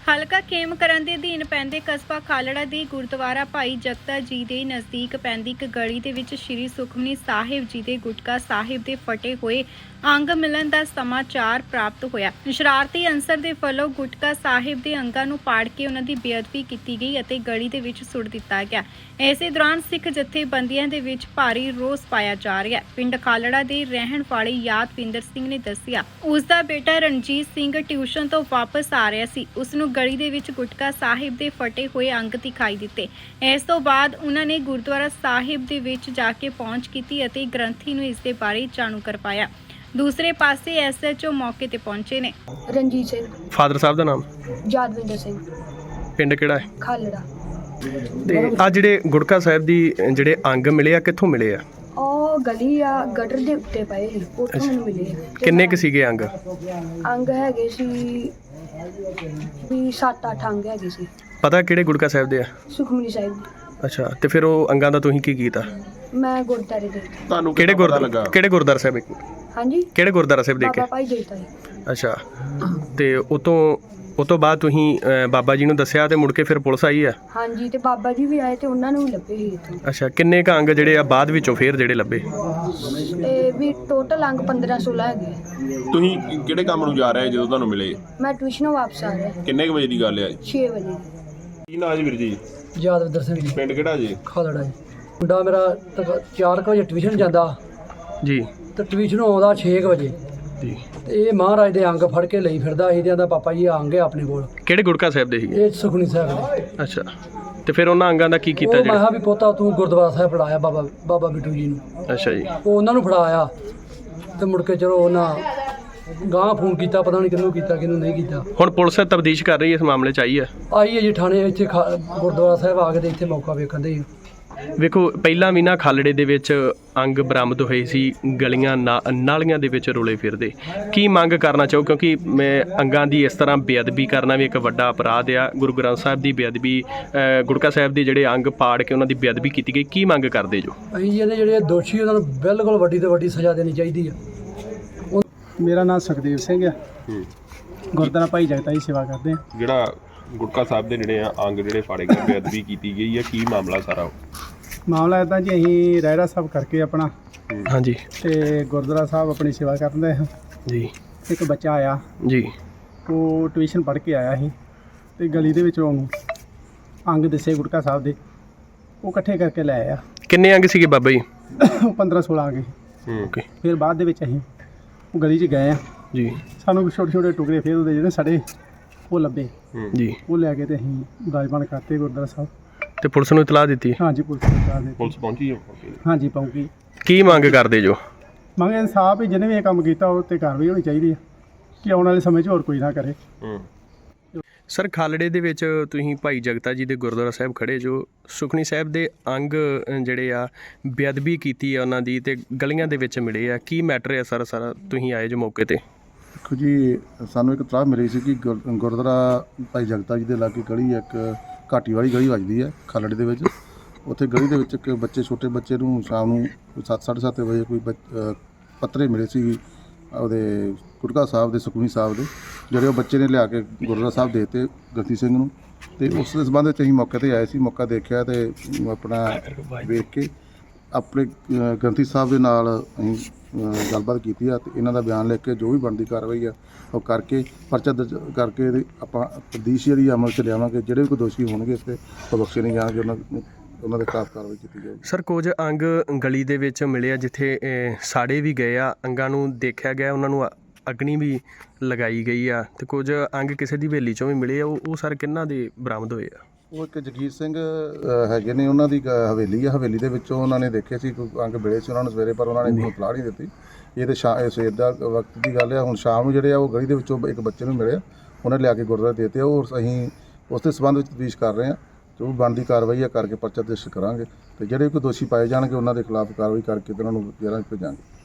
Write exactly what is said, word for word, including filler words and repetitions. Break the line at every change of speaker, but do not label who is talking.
ਹਲਕਾ ਖੇਮਕਰਨ ਦੇ ਅਧੀਨ ਪੈਂਦੇ ਕਸਬਾ ਖਾਲੜਾ ਦੇ ਗੁਰਦੁਆਰਾ ਭਾਈ ਜਗਤਾ ਜੀ ਦੇ ਨਜ਼ਦੀਕ ਪੈਂਦੀ ਇੱਕ ਗਲੀ ਦੇ ਵਿੱਚ ਸ਼੍ਰੀ ਸੁਖਮਨੀ ਸਾਹਿਬ ਜੀ ਦੇ ਗੁਟਕਾ ਸਾਹਿਬ ਦੇ ਫਟੇ ਹੋਏ ਅੰਗ ਮਿਲਣ ਦਾ ਸਮਾਚਾਰ ਪ੍ਰਾਪਤ ਹੋਇਆ। ਸ਼ਰਾਰਤੀ ਅਨਸਰ ਦੇ ਵੱਲੋਂ ਗੁਟਕਾ ਸਾਹਿਬ ਦੇ ਅੰਗਾਂ ਨੂੰ ਪਾੜ ਕੇ ਉਹਨਾਂ ਦੀ ਬੇਅਦਬੀ ਕੀਤੀ ਗਈ ਅਤੇ ਗਲੀ ਦੇ ਵਿੱਚ ਸੁੱਟ ਦਿੱਤਾ ਗਿਆ। ਇਸੇ ਦੌਰਾਨ ਸਿੱਖ ਜਥੇਬੰਦੀਆਂ ਦੇ ਵਿੱਚ ਭਾਰੀ ਰੋਸ ਪਾਇਆ ਜਾ ਰਿਹਾ ਹੈ। ਪਿੰਡ ਖਾਲੜਾ ਦੇ ਰਹਿਣ ਵਾਲੇ ਯਾਦਵਿੰਦਰ ਸਿੰਘ ਨੇ ਦੱਸਿਆ ਉਸ ਦਾ ਬੇਟਾ ਰਣਜੀਤ ਸਿੰਘ ਟਿਊਸ਼ਨ ਤੋਂ ਵਾਪਸ ਆ ਰਿਹਾ ਸੀ। ਉਸ ਨੂੰ ਗਲੀ ਦੇ ਵਿੱਚ ਗੁਟਕਾ ਸਾਹਿਬ ਦੇ ਫਟੇ ਹੋਏ ਅੰਗ ਦਿਖਾਈ ਦਿੱਤੇ। ਇਸ ਤੋਂ ਬਾਅਦ ਉਹਨਾਂ ਨੇ ਗੁਰਦੁਆਰਾ ਸਾਹਿਬ ਦੇ ਵਿੱਚ ਜਾ ਕੇ ਪਹੁੰਚ ਕੀਤੀ ਅਤੇ ਗ੍ਰੰਥੀ ਨੂੰ ਇਸ ਦੇ ਬਾਰੇ ਜਾਣੂ ਕਰਵਾਇਆ। ਦੂਸਰੇ ਪਾਸੇ ਐਸ ਐਚ ਓ ਮੌਕੇ ਤੇ ਪਹੁੰਚੇ ਨੇ।
ਰਣਜੀਤ ਸਿੰਘ।
ਫਾਦਰ ਸਾਹਿਬ ਦਾ ਨਾਮ?
ਯਾਦਵਿੰਦਰ ਸਿੰਘ।
ਪਿੰਡ ਕਿਹੜਾ ਹੈ?
ਖਾਲੜਾ।
ਤੇ ਆ ਜਿਹੜੇ ਗੁਟਕਾ ਸਾਹਿਬ ਦੀ ਜਿਹੜੇ ਅੰਗ ਮਿਲੇ ਆ ਕਿੱਥੋਂ ਮਿਲੇ ਆ?
ਉਹ ਗਲੀ ਆ ਗਟਰ ਦੇ ਉੱਤੇ ਪਏ ਸੀ, ਉੱਥੋਂ ਮੈਨੂੰ ਮਿਲੇ ਆ।
ਕਿੰਨੇ ਕੁ ਸੀਗੇ ਅੰਗ?
ਅੰਗ ਹੈਗੇ ਸੀ ਵੀ ਸੱਤ ਅੱਠ ਅੰਗ ਹੈਗੇ ਸੀ।
ਪਤਾ ਕਿਹੜੇ ਗੁਟਕਾ ਸਾਹਿਬ ਦੇ ਆ?
ਸੁਖਮਨੀ ਸਾਹਿਬ ਦੇ।
ਅੱਛਾ, ਤੇ ਫਿਰ ਉਹ ਅੰਗਾਂ ਦਾ ਤੁਸੀਂ ਕੀ ਕੀਤਾ?
ਮੈਂ ਗੁਰਦਾਰੇ ਦੇ।
ਤੁਹਾਨੂੰ ਕਿਹੜੇ ਗੁਰਦੁਆਰਾ ਕਿਹੜੇ ਗੁਰਦੁਆਰਾ ਸਾਹਿਬ ਇੱਕ
ਹਾਂਜੀ
ਕਿਹੜੇ ਗੁਰਦੁਆਰਾ ਸਾਹਿਬ ਦੇ ਕੇ?
ਬਾਬਾ ਭਾਈ ਦੇਤਾ ਜੀ।
ਅੱਛਾ, ਤੇ ਉਤੋਂ ਉਹ ਤੋਂ ਬਾਅਦ ਤੁਸੀਂ ਅਹ, ਬਾਬਾ ਜੀ ਨੂੰ ਦੱਸਿਆ ਤੇ ਮੁੜ ਕੇ ਫਿਰ ਪੁਲਿਸ ਆਈ ਆ?
ਹਾਂਜੀ, ਤੇ ਬਾਬਾ ਜੀ ਵੀ ਆਏ ਤੇ ਉਹਨਾਂ ਨੂੰ ਵੀ ਲੱਭੇ ਸੀ ਇੱਥੋਂ।
ਅੱਛਾ, ਕਿੰਨੇ ਕ ਅੰਗ ਜਿਹੜੇ ਆ ਬਾਅਦ ਵਿੱਚੋਂ ਫੇਰ ਜਿਹੜੇ ਲੱਭੇ?
ਤੇ ਵੀ ਟੋਟਲ ਅੰਗ ਪੰਦਰਾਂ ਸੋਲਾਂ ਹੈਗੇ।
ਤੁਸੀਂ ਕਿਹੜੇ ਕੰਮ ਨੂੰ ਜਾ ਰਹੇ ਜਦੋਂ ਤੁਹਾਨੂੰ ਮਿਲੇ?
ਮੈਂ ਟਿਊਸ਼ਨੋਂ ਵਾਪਸ ਆ ਰਿਹਾ
ਕਿੰਨੇ ਕੁ ਵਜੇ ਦੀ ਗੱਲ ਹੈ?
ਛੇ ਵਜੇ।
ਕੀ ਨਾਂ ਜੀ ਵੀਰ ਜੀ?
ਯਾਦਵਿੰਦਰ ਸਿੰਘ ਜੀ।
ਪਿੰਡ ਕਿਹੜਾ ਜੀ?
ਖਾਲੜਾ ਜੀ। ਮੁੰਡਾ ਮੇਰਾ ਤਕ- ਚਾਰ ਕੁ ਵਜੇ ਟਿਊਸ਼ਨ ਜਾਂਦਾ
ਜੀ
ਤੇ ਟਿਊਸ਼ਨੋਂ ਆਉਂਦਾ ਛੇ ਕੁ ਵਜੇ
ਜੀ।
ਤੇ ਇਹ ਮਹਾਰਾਜ ਦੇ ਅੰਗ ਫੜ ਕੇ ਲਈ ਫਿਰਦਾ ਸੀ ਤੇ ਆਂਦਾ ਪਾਪਾ ਜੀ ਅੰਗ ਹੈ ਆਪਣੇ ਕੋਲ।
ਕਿਹੜੇ ਗੁਟਕਾ ਸਾਹਿਬ ਦੇ ਸੀਗੇ?
ਇਹ ਸੁਖਮਨੀ ਸਾਹਿਬ ਦੇ।
ਅੱਛਾ, ਤੇ ਫਿਰ ਉਹਨਾਂ ਅੰਗਾਂ ਦਾ ਕੀ ਕੀਤਾ
ਉਹ ਮੈਂ
ਜਿਹੜਾ?
ਕਿਹਾ ਵੀ ਪੋਤਾ ਤੂੰ ਗੁਰਦੁਆਰਾ ਸਾਹਿਬ ਫੜਾਇਆ ਬਾਬਾ ਬਾਬਾ ਬਿੱਟੂ ਜੀ ਨੂੰ।
ਅੱਛਾ ਜੀ।
ਉਹ ਉਹਨਾਂ ਨੂੰ ਫੜਾਇਆ ਤੇ ਮੁੜ ਕੇ ਚਲੋ ਉਹਨਾਂ ਗਾਂਹ ਫੋਨ ਕੀਤਾ, ਪਤਾ ਨਹੀਂ ਕਿਹਨੂੰ ਕੀਤਾ ਕਿਹਨੂੰ ਨਹੀਂ ਕੀਤਾ।
ਹੁਣ ਪੁਲਿਸ ਤਬਦੀਸ਼ ਕਰ ਰਹੀ ਹੈ, ਇਸ ਮਾਮਲੇ 'ਚ ਆਈ ਹੈ?
ਆਈ ਹੈ ਜੀ ਥਾਣੇ ਇੱਥੇ ਖਾ- ਗੁਰਦੁਆਰਾ ਸਾਹਿਬ ਆ ਕੇ ਤੇ ਇੱਥੇ ਮੌਕਾ ਵੇਖਣ ਦੇ।
ਵੇਖੋ, ਪਹਿਲਾਂ ਵੀ ਨਾ ਖਾਲੜੇ ਦੇ ਵਿੱਚ ਅੰਗ ਬਰਾਮਦ ਹੋਏ ਸੀ, ਗਲੀਆਂ ਨਾ ਨਾਲੀਆਂ ਦੇ ਵਿੱਚ ਰੋਲੇ ਫਿਰਦੇ। ਕੀ ਮੰਗ ਕਰਨਾ ਚਾਹੋ, ਕਿਉਂਕਿ ਮੈਂ ਅੰਗਾਂ ਦੀ ਇਸ ਤਰ੍ਹਾਂ ਬੇਅਦਬੀ ਕਰਨਾ ਵੀ ਇੱਕ ਵੱਡਾ ਅਪਰਾਧ ਆ। ਗੁਰੂ ਗ੍ਰੰਥ ਸਾਹਿਬ ਦੀ ਬੇਅਦਬੀ, ਅ, ਗੁਟਕਾ ਸਾਹਿਬ ਦੇ ਜਿਹੜੇ ਅੰਗ ਪਾੜ ਕੇ ਉਹਨਾਂ ਦੀ ਬੇਅਦਬੀ ਕੀਤੀ ਗਈ, ਕੀ ਮੰਗ ਕਰਦੇ ਜੋ?
ਅਸੀਂ ਇਹਦੇ ਜਿਹੜੇ ਦੋਸ਼ੀ ਉਹਨਾਂ ਨੂੰ ਬਿਲਕੁਲ ਵੱਡੀ ਤੋਂ ਵੱਡੀ ਸਜ਼ਾ ਦੇਣੀ ਚਾਹੀਦੀ ਆ।
ਮੇਰਾ ਨਾਮ ਸੁਖਦੇਵ ਸਿੰਘ ਆ। ਗੁਰਦੁਆਰਾ ਭਾਈ ਜਗਤਾ ਜੀ ਸੇਵਾ ਕਰਦੇ ਆ।
ਜਿਹੜਾ ਗੁਟਕਾ ਸਾਹਿਬ ਦੇ ਜਿਹੜੇ ਆ ਅੰਗ ਜਿਹੜੇ ਫਾੜੇ ਗਏ, ਬੇਅਦਬੀ ਕੀਤੀ ਗਈ ਹੈ, ਕੀ ਮਾਮਲਾ ਸਾਰਾ?
ਮਾਮਲਾ ਇਦਾਂ ਜੀ, ਅਸੀਂ ਰਹਿਰਾ ਸਾਹਿਬ ਕਰਕੇ ਆਪਣਾ
ਹਾਂਜੀ
ਤੇ ਗੁਰਦੁਆਰਾ ਸਾਹਿਬ ਆਪਣੀ ਸੇਵਾ ਕਰਦੇ ਹਾਂ
ਜੀ।
ਇੱਕ ਬੱਚਾ ਆਇਆ,
ਜੀ
ਉਹ ਟਿਊਸ਼ਨ ਪੜ੍ਹ ਕੇ ਆਇਆ ਸੀ ਤੇ ਗਲੀ ਦੇ ਵਿੱਚ ਉਹਨੂੰ ਅੰਗ ਦਿਸੇ ਗੁਟਕਾ ਸਾਹਿਬ ਦੇ, ਉਹ ਇਕੱਠੇ ਕਰਕੇ ਲੈ ਆਇਆ।
ਕਿੰਨੇ ਅੰਗ ਸੀਗੇ ਬਾਬਾ ਜੀ?
ਪੰਦਰਾਂ ਸੋਲਾਂ ਆ ਗਏ।
ਓਕੇ
ਫਿਰ ਬਾਅਦ ਦੇ ਵਿੱਚ ਅਸੀਂ ਉਹ ਗਲੀ 'ਚ ਗਏ ਆ,
ਜੀ
ਸਾਨੂੰ ਛੋਟੇ ਛੋਟੇ ਟੁਕੜੇ ਫਿਰ ਉਹਦੇ ਜਿਹੜੇ ਸੜੇ ਉਹ ਲੱਭੇ,
ਜੀ।
ਉਹ ਲੈ ਕੇ ਤੇ ਅਸੀਂ ਗਾਜਬਾਨ ਕਰਤੇ ਗੁਰਦੁਆਰਾ ਸਾਹਿਬ।
ਤੇ ਪੁਲਿਸ ਨੂੰ ਇਤਲਾਹ ਦਿੱਤੀ?
ਹਾਂਜੀ, ਪੁਲਿਸ ਨੂੰ ਇਤਲਾਹ ਦੇ ਦਿੱਤੀ।
ਪੁਲਿਸ ਪਹੁੰਚੀ ਹੈ?
ਹਾਂਜੀ, ਪਹੁੰਚੀ।
ਕੀ ਮੰਗ ਕਰਦੇ ਜੋ?
ਮੰਗ ਇਨਸਾਫ ਹੀ, ਜਿਹਨੇ ਵੀ ਇਹ ਕੰਮ ਕੀਤਾ ਉਹ 'ਤੇ ਕਾਰਵਾਈ ਹੋਣੀ ਚਾਹੀਦੀ ਹੈ ਕਿ ਆਉਣ ਵਾਲੇ ਸਮੇਂ 'ਚ ਹੋਰ ਕੋਈ ਨਾ ਕਰੇ।
ਸਰ, ਖਾਲੜੇ ਦੇ ਵਿੱਚ ਤੁਸੀਂ ਭਾਈ ਜਗਤਾ ਜੀ ਦੇ ਗੁਰਦੁਆਰਾ ਸਾਹਿਬ ਖੜੇ ਜੋ, ਸੁਖਮਨੀ ਸਾਹਿਬ ਦੇ ਅੰਗ ਅ, ਜਿਹੜੇ ਆ ਬੇਅਦਬੀ ਕੀਤੀ ਆ ਉਹਨਾਂ ਦੀ ਤੇ ਗਲੀਆਂ ਦੇ ਵਿੱਚ ਮਿਲੇ ਆ, ਕੀ ਮੈਟਰ ਹੈ ਸਰ? ਸਾਰਾ ਤੁਸੀਂ ਆਏ ਜੋ ਮੌਕੇ ਤੇ?
ਦੇਖੋ ਜੀ, ਸਾਨੂੰ ਇੱਕ ਇਤਲਾਹ ਮਿਲੀ ਸੀ ਕਿ ਗੁਰ- ਗੁਰਦੁਆਰਾ ਭਾਈ ਜਗਤਾ ਜੀ ਦੇ ਲਾਗੇ ਗਲੀ ਇੱਕ ਘਾਟੀ ਵਾਲੀ ਗਲੀ ਵੱਜਦੀ ਹੈ ਖਾਲੜੇ ਦੇ ਵਿੱਚ। ਉੱਥੇ ਗਲੀ ਦੇ ਵਿੱਚ ਇੱਕ ਬੱਚੇ ਛੋਟੇ ਬੱਚੇ ਨੂੰ ਸ਼ਾਮ ਨੂੰ ਸੱਤ ਸਾਢੇ ਸੱਤ ਵਜੇ ਕੋਈ ਬੱਚ- ਅ, ਪੱਤਰੇ ਮਿਲੇ ਸੀ ਉਹਦੇ ਗੁਟਕਾ ਸਾਹਿਬ ਦੇ, ਸੁਖਮਨੀ ਸਾਹਿਬ ਦੇ, ਜਿਹੜੇ ਉਹ ਬੱਚੇ ਨੇ ਲਿਆ ਕੇ ਗੁਰਦੁਆਰਾ ਸਾਹਿਬ ਦੇ ਦਿੱਤੇ ਗ੍ਰੰਥੀ ਸਿੰਘ ਨੂੰ। ਤੇ ਉਸ ਦੇ ਸੰਬੰਧ ਵਿੱਚ ਅਸੀਂ ਮੌਕੇ 'ਤੇ ਆਏ ਸੀ। ਮੌਕਾ ਦੇਖਿਆ ਤੇ ਆਪਣਾ ਵੇਖ ਕੇ ਆਪਣੇ ਅ, ਗ੍ਰੰਥੀ ਸਾਹਿਬ ਦੇ ਨਾਲ ਅਸੀਂ ਅ, ਗੱਲਬਾਤ ਕੀਤੀ ਆ ਤੇ ਇਹਨਾਂ ਦਾ ਬਿਆਨ ਲਿਖ ਕੇ ਜੋ ਵੀ ਬਣਦੀ ਕਾਰਵਾਈ ਆ ਉਹ ਕਰਕੇ ਪਰਚਾ ਦਰਜ ਕਰਕੇ ਇਹਦੀ ਆਪਾਂ ਤਬਦੀਸ਼ ਜਿਹੜੀ ਅਮਲ 'ਚ ਲਿਆਵਾਂਗੇ। ਜਿਹੜੇ ਵੀ ਕੋਈ ਦੋਸ਼ੀ ਹੋਣਗੇ ਇਸ 'ਤੇ ਉਹ ਬਖਸ਼ੇ ਨਹੀਂ ਜਾਣਗੇ, ਉਹਨਾਂ ਨੂੰ ਉਹਨਾਂ ਦੇ ਖਿਲਾਫ ਕਾਰਵਾਈ ਕੀਤੀ ਜਾਵੇਗੀ।
ਸਰ, ਕੁਝ ਅੰਗ ਗਲੀ ਦੇ ਵਿੱਚ ਮਿਲੇ ਆ ਜਿੱਥੇ ਅ, ਸਾੜੇ ਵੀ ਗਏ ਆ, ਅੰਗਾਂ ਨੂੰ ਦੇਖਿਆ ਗਿਆ, ਉਹਨਾਂ ਨੂੰ ਅਗਨੀ ਵੀ ਲਗਾਈ ਗਈ ਆ, ਤੇ ਕੁਝ ਅੰਗ ਕਿਸੇ ਦੀ ਹਵੇਲੀ 'ਚੋਂ ਵੀ ਮਿਲੇ ਆ। ਉਹ ਉਹ ਸਰ ਕਿਹਨਾਂ ਦੇ ਬਰਾਮਦ ਹੋਏ ਆ?
ਉਹ ਇੱਕ ਜਗੀਰ ਸਿੰਘ ਅ, ਹੈਗੇ ਨੇ, ਉਹਨਾਂ ਦੀ ਗ- ਹਵੇਲੀ ਆ। ਹਵੇਲੀ ਦੇ ਵਿੱਚੋਂ ਉਹਨਾਂ ਨੇ ਦੇਖੇ ਸੀ ਕੋਈ ਅੰਗ ਮਿਲੇ ਸੀ ਉਹਨਾਂ ਨੂੰ ਸਵੇਰੇ, ਪਰ ਉਹਨਾਂ ਨੇ ਮੈਨੂੰ ਇਤਲਾਹ ਨਹੀਂ ਦਿੱਤੀ। ਇਹ ਤਾਂ ਸ਼ਾ ਇਹ ਸਵੇਰ ਦਾ ਵਕਤ ਦੀ ਗੱਲ ਆ। ਹੁਣ ਸ਼ਾਮ ਨੂੰ ਜਿਹੜੇ ਆ ਉਹ ਗਲੀ ਦੇ ਵਿੱਚੋਂ ਇੱਕ ਬੱਚੇ ਨੂੰ ਮਿਲਿਆ, ਉਹਨੇ ਲਿਆ ਕੇ ਗੁਰਦੁਆਰੇ ਦੇ ਦਿੱਤੇ। ਉਹ ਅਸੀਂ ਉਸ ਦੇ ਸੰਬੰਧ ਵਿੱਚ ਤਫਤੀਸ਼ ਕਰ ਰਹੇ ਹਾਂ, ਜੋ ਬਣਦੀ ਕਾਰਵਾਈ ਆ ਕਰਕੇ ਪਰਚਾ ਦਰਜ ਕਰਾਂਗੇ ਤੇ ਜਿਹੜੇ ਕੋਈ ਦੋਸ਼ੀ ਪਾਏ ਜਾਣਗੇ ਉਹਨਾਂ ਦੇ ਖਿਲਾਫ ਕਾਰਵਾਈ ਕਰਕੇ ਤੇ ਉਹਨਾਂ ਨੂੰ ਜੇਲ੍ਹਾਂ 'ਚ ਭੇਜਾਂਗੇ।